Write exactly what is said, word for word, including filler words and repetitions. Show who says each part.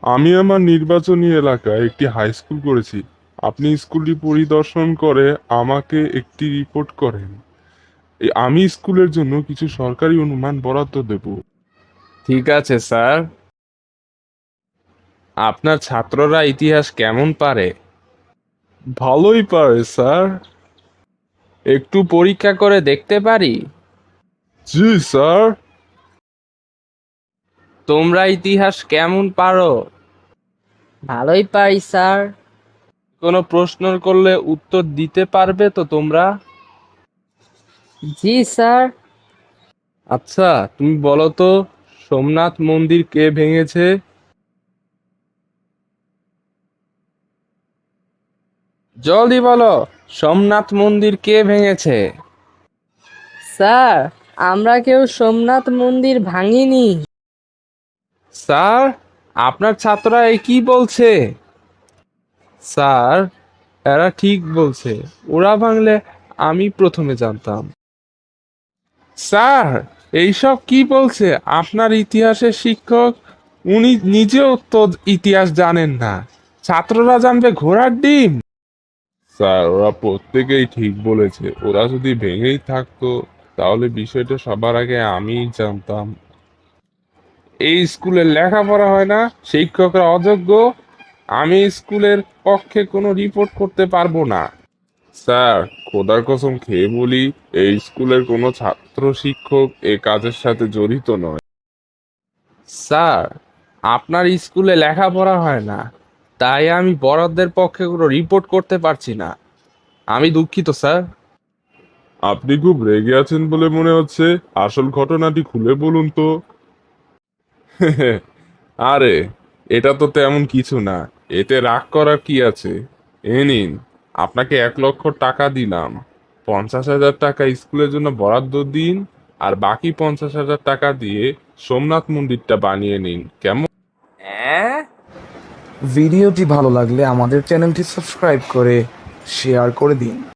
Speaker 1: আমি আমার নির্বাচনী এলাকায় একটি হাই স্কুল করেছি। আপনি স্কুলটি পরিদর্শন করে আমাকে একটি রিপোর্ট করেন। এই আমি স্কুলের জন্য কিছু সরকারি অনুমান বরাদ্দ দেব।
Speaker 2: ঠিক আছে স্যার। আপনার ছাত্ররা ইতিহাস কেমন পারে?
Speaker 1: ভালোই পারে স্যার।
Speaker 2: একটু পরীক্ষা করে দেখতে পারি?
Speaker 1: জি স্যার।
Speaker 2: তোমরা ইতিহাস কেমন পারো?
Speaker 3: ভালোই পারি স্যার।
Speaker 2: কোনো প্রশ্ন করলে উত্তর দিতে পারবে তো তোমরা?
Speaker 3: জি স্যার।
Speaker 2: আচ্ছা, তুমি বলো তো, সোমনাথ মন্দির কে ভেঙেছে? জলদি বলো, সোমনাথ মন্দির কে ভেঙেছে?
Speaker 3: স্যার, আমরা কেউ সোমনাথ মন্দির ভাঙিনি।
Speaker 2: স্যার, আপনার ছাত্ররা এ কি বলছে? স্যার, এরা ঠিক বলছে। ওরা ভাঙলে আমি প্রথমে জানতাম। স্যার, এইসব কি বলছে আপনার ইতিহাসের শিক্ষক? উনি নিজেও তো ইতিহাস জানেন না, ছাত্ররা জানবে ঘোড়ার ডিম।
Speaker 1: স্যার, ওরা প্রত্যেকেই ঠিক বলেছে। ওরা যদি ভেঙেই থাকতো তাহলে বিষয়টা সবার আগে আমিই জানতাম।
Speaker 2: এই স্কুলে লেখাপড়া হয় না, শিক্ষকরা অযোগ্য। আমি স্কুলের পক্ষে কোনো রিপোর্ট করতে পারবো না।
Speaker 1: স্যার, খোদার কসম খেয়ে বলি, এই স্কুলের কোনো ছাত্র শিক্ষক এ কাজের সাথে জড়িত নয়।
Speaker 2: স্যার, আপনার স্কুলে লেখাপড়া হয় না, তাই আমি বড়দের পক্ষে কোনো রিপোর্ট করতে পারছি না। আমি দুঃখিত স্যার।
Speaker 1: আপনি খুব রেগে আছেন বলে মনে হচ্ছে। আসল ঘটনাটি খুলে বলুন তো। আরে, এটা তো তেমন কিছু না। এতে রাগ করার কি আছে? এ নিন, আপনাকে এক লক্ষ টাকা দিলাম। পঞ্চাশ হাজার টাকা স্কুলের জন্য বরাদ্দ দিন, আর বাকি পঞ্চাশ হাজার টাকা দিয়ে সোমনাথ মন্দিরটা বানিয়ে নিন, কেমন?
Speaker 2: হ্যাঁ,
Speaker 4: ভিডিওটি ভালো লাগলে আমাদের চ্যানেলটি সাবস্ক্রাইব করে শেয়ার করে দিন।